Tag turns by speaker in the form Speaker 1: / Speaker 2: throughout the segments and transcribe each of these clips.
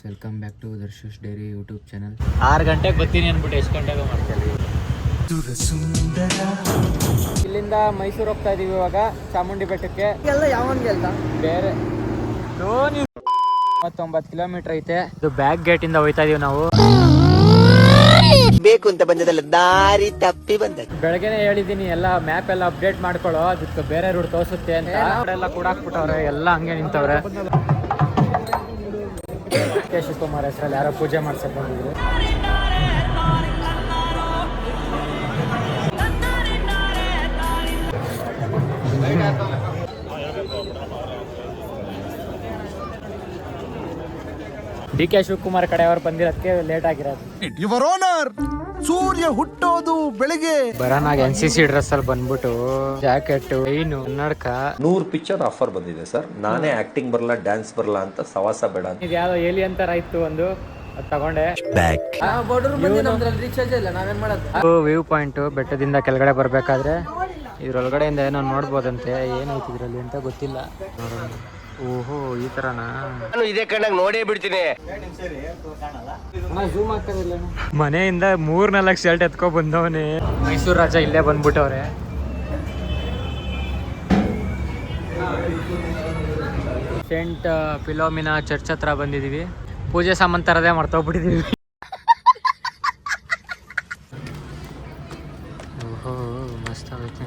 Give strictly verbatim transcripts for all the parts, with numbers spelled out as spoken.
Speaker 1: Welcome back to ದರ್ಶಸ್ diary YouTube channel.
Speaker 2: ಆರು ಗಂಟೆಗೆ ಬರ್ತೀನಿ ಅಂದ್ಬಿಟ್ಟು ಎಷ್ಟು ಗಂಟೆಗೆ ಮಾಡ್ತೀವಿ. ಇಲ್ಲಿಂದ ಮೈಸೂರು ಹೋಗ್ತಾ ಇದೀವಿ ಇವಾಗ ಚಾಮುಂಡಿ ಬೆಟ್ಟಕ್ಕೆ.
Speaker 3: ಎಲ್ಲ ಯಾವನ್ಗೆ ಅಲ್ಲ
Speaker 2: ಬೇರೆ ಮೂವತ್ತೊಂಬತ್ತು ಕಿಲೋಮೀಟರ್ ಐತೆ. ಇದು ಬ್ಯಾಕ್ ಗೇಟ್ ಇಂದ ಹೋಯ್ತಾ ಇದೀವಿ ನಾವು.
Speaker 3: ಬೇಕು ಅಂತ ಬಂದದಲ್ಲ, ದಾರಿ ತಪ್ಪಿ ಬಂದ.
Speaker 2: ಬೆಳಗ್ಗೆನೆ ಹೇಳಿದೀನಿ ಎಲ್ಲ ಮ್ಯಾಪ್ ಎಲ್ಲ ಅಪ್ಡೇಟ್ ಮಾಡ್ಕೊಳ್ಳೋ, ಅದಕ್ಕೆ ಬೇರೆ ರೂಟ್ ತೋರಿಸುತ್ತೆ ಅಂತ. ಎಲ್ಲ ಕೂಡ ಹಾಕ್ಬಿಟ್ಟವ್ರೆ, ಎಲ್ಲ ಹಂಗೆ ನಿಂತವ್ರೆ. ಕೆ ಶಿವಕುಮಾರ್ ಹೆಸರಲ್ಲಿ ಯಾರೋ ಪೂಜೆ ಮಾಡ್ಸಕ್ ಬಂದಿದ್ರು. ಡಿ ಕೆ ಶಿವಕುಮಾರ್ ಕಡೆಯವರು ಬಂದಿರೋದಕ್ಕೆ ಲೇಟ್ ಆಗಿರೋದು.
Speaker 4: ಯುವರ್ ಓನರ್, ಸೂರ್ಯ ಹುಟ್ಟೋದು ಬೆಳಿಗ್ಗೆ.
Speaker 2: ಬರೋನಾಗ ಎನ್ ಸಿ ಸಿ ಡ್ರೆಸ್ ಅಲ್ಲಿ ಬಂದ್ಬಿಟ್ಟು ಜಾಕೆಟ್, ಚೈನು, ಕನ್ನಡಕ.
Speaker 5: ನೂರು ಪಿಕ್ಚರ್ ಆಫರ್ ಬಂದಿದೆ ಸರ್. ನಾನೇ ಆಕ್ಟಿಂಗ್ ಬರಲ್ಲ, ಡ್ಯಾನ್ಸ್ ಬರಲ್ಲ ಅಂತ ಸವಾಸ ಬೇಡ.
Speaker 2: ಇದು ಯಾವ್ದೋ ಏಲಿಯನ್ ತರ ಇತ್ತು ಒಂದು, ಅದು ತಗೊಂಡೆ.
Speaker 3: ರೀಚಾರ್ಜ್ ಇಲ್ಲ, ನಾವೇನ್ ಮಾಡೋದು.
Speaker 2: ವ್ಯೂ ಪಾಯಿಂಟ್ ಬೆಟ್ಟದಿಂದ ಕೆಳಗಡೆ ಬರ್ಬೇಕಾದ್ರೆ ಇದ್ರೊಳಗಡೆಯಿಂದ ಏನೋ ನೋಡ್ಬೋದಂತೆ. ಏನೈತಿ ಇದ್ರಲ್ಲಿ ಅಂತ ಗೊತ್ತಿಲ್ಲ. ಓಹೋ, ಈ ತರನಾ?
Speaker 3: ನಾನು ಇದೇ ಕಣ್ಣಾಗ ನೋಡೇ ಬಿಡ್ತೀನಿ.
Speaker 2: ಮನೆಯಿಂದ ಮೂರ್ ನಾಲ್ಕು ಶರ್ಟ್ ಎತ್ಕೊ ಬಂದವನೇ. ಮೈಸೂರು ರಾಜ ಇಲ್ಲೇ ಬಂದ್ಬಿಟ್ಟವ್ರೆ. ಸೆಂಟ್ ಫಿಲೋಮಿನಾ ಚರ್ಚ್ ಹತ್ರ ಬಂದಿದೀವಿ. ಪೂಜೆ ಸಾಮಾನು ತರದೇ ಮರ್ತೋಗ್ಬಿಟ್ಟಿದೀವಿ. ಓಹೋ, ಮಸ್ತ್ ಆಗೈತೆ.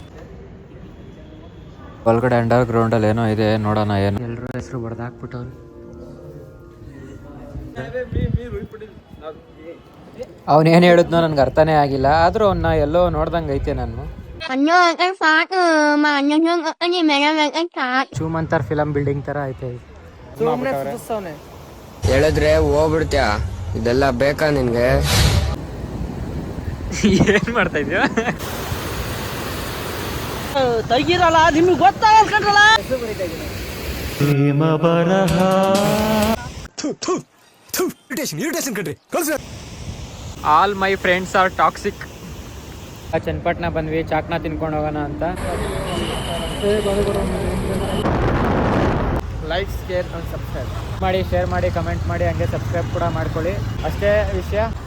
Speaker 2: ಒಳಗಡೆ ಅಂಡರ್ ಗ್ರೌಂಡ್ ಅಲ್ಲಿ ಏನೋ ಇದೆ, ನೋಡೋಣ. ಏನು ಎಲ್ಲರೂ ಹೆಸರು ಬಡ್ದಾಕ್ಬಿಟ್ಟವ್ರು. ಅವನೇನು ಹೇಳಿದ್ನೋ ನನ್ಗೆ ಅರ್ಥನೇ ಆಗಿಲ್ಲ. ಆದ್ರೂ ಅವನ್ನ ಎಲ್ಲೋ ನೋಡ್ದಂಗೆ ಐತೆ. ನಾನು ಚೂಮಂತರ್ ಫಿಲಂ ಬಿಲ್ಡಿಂಗ್ ತರ ಐತೆ.
Speaker 6: ಹೇಳಿದ್ರೆ ಹೋಗ್ಬಿಡ್ತೀಯ, ಇದೆಲ್ಲ ಬೇಕಾ ನಿನ್ಗೆ?
Speaker 2: ಏನ್ ಮಾಡ್ತಾ ಇದ್ಯೋ?
Speaker 3: ತೆಗಿರಲ್ಲ, ನಿಮ್ಗೆ ಗೊತ್ತಾಗಲ್ಲ.
Speaker 2: All my friends are toxic. Channapatna ಬಂದ್ವಿ, ಚಾಕ್ನ ತಿನ್ಕೊಂಡು ಹೋಗೋಣ ಅಂತ. ಲೈಕ್, ಶೇರ್ ಅಂಡ್ ಸಬ್ಸ್ಕ್ರೈಬ್ ಮಾಡಿ, ಶೇರ್ ಮಾಡಿ, ಕಮೆಂಟ್ ಮಾಡಿ, ಹಂಗೆ ಸಬ್ಸ್ಕ್ರೈಬ್ ಕೂಡ ಮಾಡ್ಕೊಳ್ಳಿ. ಅಷ್ಟೇ ವಿಷಯ.